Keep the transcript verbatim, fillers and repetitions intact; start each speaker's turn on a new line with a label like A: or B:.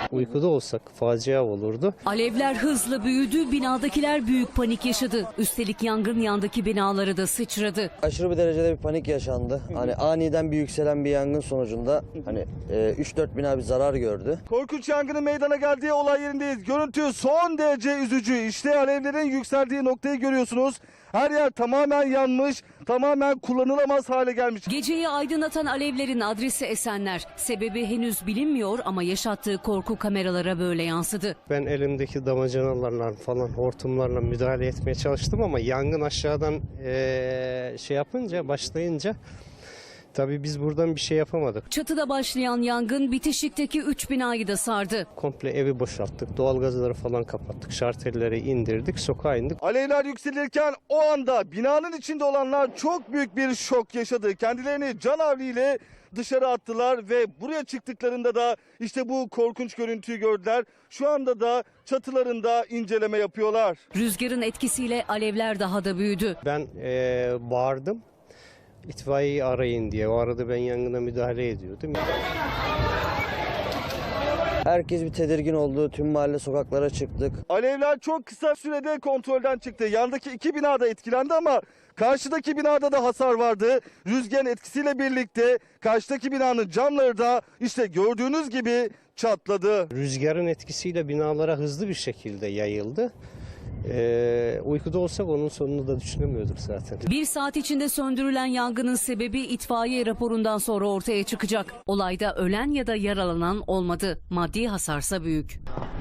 A: Uykuda olsak facia olurdu.
B: Alevler hızla büyüdü, binadakiler büyük panik yaşadı. Üstelik yangın yandaki binaları da sıçradı.
C: Aşırı bir derecede bir panik yaşandı. Hani aniden bir yükselen bir yangın sonucunda hani üç dört bina bir zarar gördü.
D: Korkunç yangının meydana geldiği olay yerindeyiz. Görüntü son derece üzücü. İşte alevlerin yükseldiği noktayı görüyorsunuz. Her yer tamamen yanmış, tamamen kullanılamaz hale gelmiş.
B: Geceyi aydınlatan alevlerin adresi Esenler. Sebebi henüz bilinmiyor ama yaşattığı korku kameralara böyle yansıdı.
A: Ben elimdeki damacanalarla falan hortumlarla müdahale etmeye çalıştım ama yangın aşağıdan ee, şey yapınca başlayınca tabii biz buradan bir şey yapamadık.
B: Çatıda başlayan yangın bitişikteki üç binayı da sardı.
A: Komple evi boşalttık, doğalgazları falan kapattık, şartelleri indirdik, sokağa indik.
D: Alevler yükselirken o anda binanın içinde olanlar çok büyük bir şok yaşadı. Kendilerini canavliyle dışarı attılar ve buraya çıktıklarında da işte bu korkunç görüntüyü gördüler. Şu anda da çatılarında inceleme yapıyorlar.
B: Rüzgarın etkisiyle alevler daha da büyüdü.
A: Ben ee, bağırdım. İtfaiyeyi arayın diye. O arada ben yangına müdahale ediyordum.
C: Herkes bir tedirgin oldu. Tüm mahalle sokaklara çıktık.
D: Alevler çok kısa sürede kontrolden çıktı. Yandaki iki binada etkilendi ama karşıdaki binada da hasar vardı. Rüzgarın etkisiyle birlikte karşıdaki binanın camları da işte gördüğünüz gibi çatladı.
A: Rüzgarın etkisiyle binalara hızlı bir şekilde yayıldı. Ee, uykuda olsak onun sonunu da düşünemiyorduk zaten.
B: Bir saat içinde söndürülen yangının sebebi itfaiye raporundan sonra ortaya çıkacak. Olayda ölen ya da yaralanan olmadı. Maddi hasarsa büyük.